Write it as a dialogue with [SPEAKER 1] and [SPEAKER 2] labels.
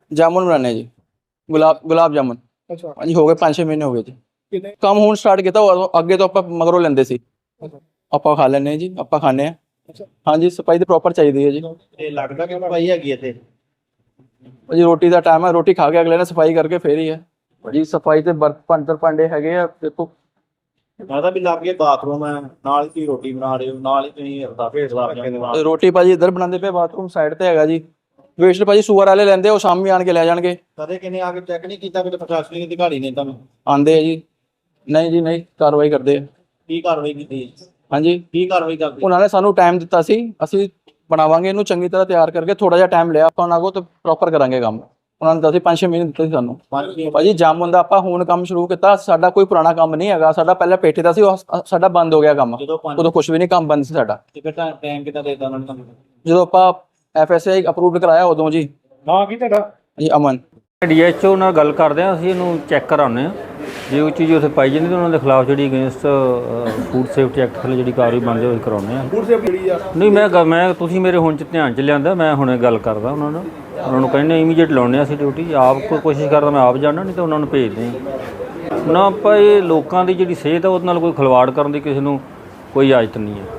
[SPEAKER 1] जामुन बनाने जी, गुलाब जामुन।
[SPEAKER 2] अच्छा
[SPEAKER 1] हाँ जी, हो गए 5-6 महीने हो गए जी।
[SPEAKER 2] कितने
[SPEAKER 1] ਕੰਮ ਹੁਣ ਸਟਾਰਟ ਕੀਤਾ, ਅੱਗੇ ਤੋਂ ਆਪਾਂ ਮਗਰੋਂ ਲੈਂਦੇ ਸੀ।
[SPEAKER 2] अच्छा
[SPEAKER 1] ਆਪਾਂ ਖਾ ਲੈਂਦੇ ਹਾਂ ਜੀ, ਆਪਾਂ ਖਾਂਦੇ ਹਾਂ।
[SPEAKER 2] अच्छा
[SPEAKER 1] ਹਾਂਜੀ, ਸਫਾਈ ਤਾਂ ਪ੍ਰੋਪਰ ਚਾਹੀਦੀ ਹੈ ਜੀ।
[SPEAKER 3] ਇਹ ਲੱਗਦਾ ਕਿ ਸਫਾਈ ਹੈਗੀ ਇੱਥੇ।
[SPEAKER 1] ਜੀ ਰੋਟੀ ਦਾ ਟਾਈਮ ਹੈ, ਰੋਟੀ ਖਾ ਕੇ ਅਗਲੇ ਨੇ ਸਫਾਈ ਕਰਕੇ ਫੇਰ ਹੀ ਹੈ ਜੀ। ਸਫਾਈ ਤੇ ਬਰਤਨ ਭਾਂਡੇ ਹੈਗੇ ਆ, ਦੇਖੋ।
[SPEAKER 3] ਮਾਤਾ ਵੀ ਲੱਗ ਗਿਆ ਬਾਥਰੂਮ ਹੈ, ਨਾਲ ਹੀ ਤੁਸੀਂ ਰੋਟੀ ਬਣਾ ਰਹੇ ਹੋ, ਨਾਲ ਹੀ ਤੁਸੀਂ ਰਦਾ ਭੇਜ ਲਾ ਕੇ
[SPEAKER 1] ਰੋਟੀ ਭਾਜੀ ਇੱਧਰ ਬਣਾਉਂਦੇ ਪਏ, ਬਾਥਰੂਮ ਸਾਈਡ ਤੇ ਹੈਗਾ ਜੀ। ਵੇਸਟ ਭਾਜੀ ਸੂਅਰ ਵਾਲੇ ਲੈਂਦੇ, ਉਹ ਸ਼ਾਮੀ ਆਣ ਕੇ ਲੈ ਜਾਣਗੇ।
[SPEAKER 3] ਕਦੇ ਕਿਨੇ ਆ ਕੇ ਚੈੱਕ ਨਹੀਂ ਕੀਤਾ ਕਿ ਪ੍ਰਸ਼ਾਸਨਿਕ ਅਧਿਕਾਰੀ ਨੇ ਤੁਹਾਨੂੰ
[SPEAKER 1] ਆਂਦੇ ਆ ਜੀ, ਨਹੀਂ ਜੀ ਨਹੀਂ, ਕਾਰਵਾਈ ਕਰਦੇ ਆ।
[SPEAKER 3] ਕੀ ਕਾਰਵਾਈ ਕੀਤੀ?
[SPEAKER 1] ਹਾਂਜੀ,
[SPEAKER 3] ਕੀ ਕਾਰਵਾਈ ਕਰਦੇ?
[SPEAKER 1] ਉਹਨਾਂ ਨੇ ਸਾਨੂੰ ਟਾਈਮ ਦਿੱਤਾ ਸੀ, ਅਸੀਂ ਬਣਾਵਾਂਗੇ ਇਹਨੂੰ ਚੰਗੀ ਤਰ੍ਹਾਂ ਤਿਆਰ ਕਰਕੇ। ਥੋੜਾ ਜਿਹਾ ਟਾਈਮ ਲਿਆ ਆਪਾਂ ਉਹਨਾਂ ਕੋਲ, ਤੇ ਪ੍ਰੋਪਰ ਕਰਾਂਗੇ ਕੰਮ। ਉਹਨਾਂ ਨੇ ਦੱਸਿਆ 5-6 ਮਹੀਨੇ ਦਿੱਤੇ ਸੀ ਸਾਨੂੰ। ਭਾਜੀ ਜਾਮੁਨ ਦਾ ਆਪਾਂ ਹੁਣ ਕੰਮ ਸ਼ੁਰੂ ਕੀਤਾ, ਸਾਡਾ ਕੋਈ ਪੁਰਾਣਾ ਕੰਮ ਨਹੀਂ ਹੈਗਾ। ਸਾਡਾ ਪਹਿਲਾਂ ਪੇਠੇ ਦਾ ਸੀ, ਉਹ ਸਾਡਾ ਬੰਦ ਹੋ ਗਿਆ ਕੰਮ। ਉਦੋਂ ਕੁਝ ਵੀ ਨਹੀਂ, ਕੰਮ ਬੰਦ ਸੀ ਸਾਡਾ।
[SPEAKER 3] ਟਾਈਮ ਕਿੰਨਾ ਦੇਤਾ ਉਹਨਾਂ ਨੇ ਤੁਹਾਨੂੰ?
[SPEAKER 1] ਜਦੋਂ ਆਪਾਂ FSI ਅਪਰੂਵਡ ਕਰਾਇਆ ਉਦੋਂ ਜੀ।
[SPEAKER 2] ਨਾਂ ਕੀ ਤੁਹਾਡਾ?
[SPEAKER 1] ਜੀ ਅਮਨ।
[SPEAKER 4] DHO ਨਾਲ ਗੱਲ ਕਰਦੇ ਹਾਂ ਅਸੀਂ, ਇਹਨੂੰ ਚੈੱਕ ਕਰਾਉਂਦੇ ਹਾਂ। ਜੇ ਉਹ ਚੀਜ਼ ਉੱਥੇ ਪਾਈ ਜਾਂਦੀ ਤਾਂ ਉਹਨਾਂ ਦੇ ਖਿਲਾਫ ਜਿਹੜੀ ਅਗੇਂਸਟ ਫੂਡ ਸੇਫਟੀ ਐਕਟ ਥੱਲੇ ਜਿਹੜੀ ਕਾਰਵਾਈ ਬਣਦੀ ਉਹ ਕਰਾਉਂਦੇ ਹਾਂ।
[SPEAKER 2] ਫੂਡ ਸੇਫਟੀ ਜਿਹੜੀ ਆ
[SPEAKER 4] ਨਹੀਂ, ਮੈਂ ਤੁਸੀਂ ਮੇਰੇ ਹੁਣ 'ਚ ਧਿਆਨ 'ਚ ਲਿਆਂਦਾ, ਮੈਂ ਹੁਣੇ ਗੱਲ ਕਰਦਾ ਉਹਨਾਂ ਨੂੰ ਕਹਿੰਦੇ ਇਮੀਡੀਏਟ ਲਾਉਣੇ ਅਸੀਂ ਡਿਊਟੀ। ਆਪ ਕੋਈ ਕੋਸ਼ਿਸ਼ ਕਰਦਾ ਮੈਂ ਆਪ ਜਾਣਾ, ਨਹੀਂ ਤਾਂ ਉਹਨਾਂ ਨੂੰ ਭੇਜਦੇ ਹਾਂ ਨਾ। ਆਪਾਂ ਇਹ ਲੋਕਾਂ ਦੀ ਜਿਹੜੀ ਸਿਹਤ ਆ ਉਹਦੇ ਨਾਲ ਕੋਈ ਖਿਲਵਾੜ ਕਰਨ ਦੀ ਕਿਸੇ ਨੂੰ ਕੋਈ ਇਜਾਜ਼ਤ ਨਹੀਂ ਹੈ।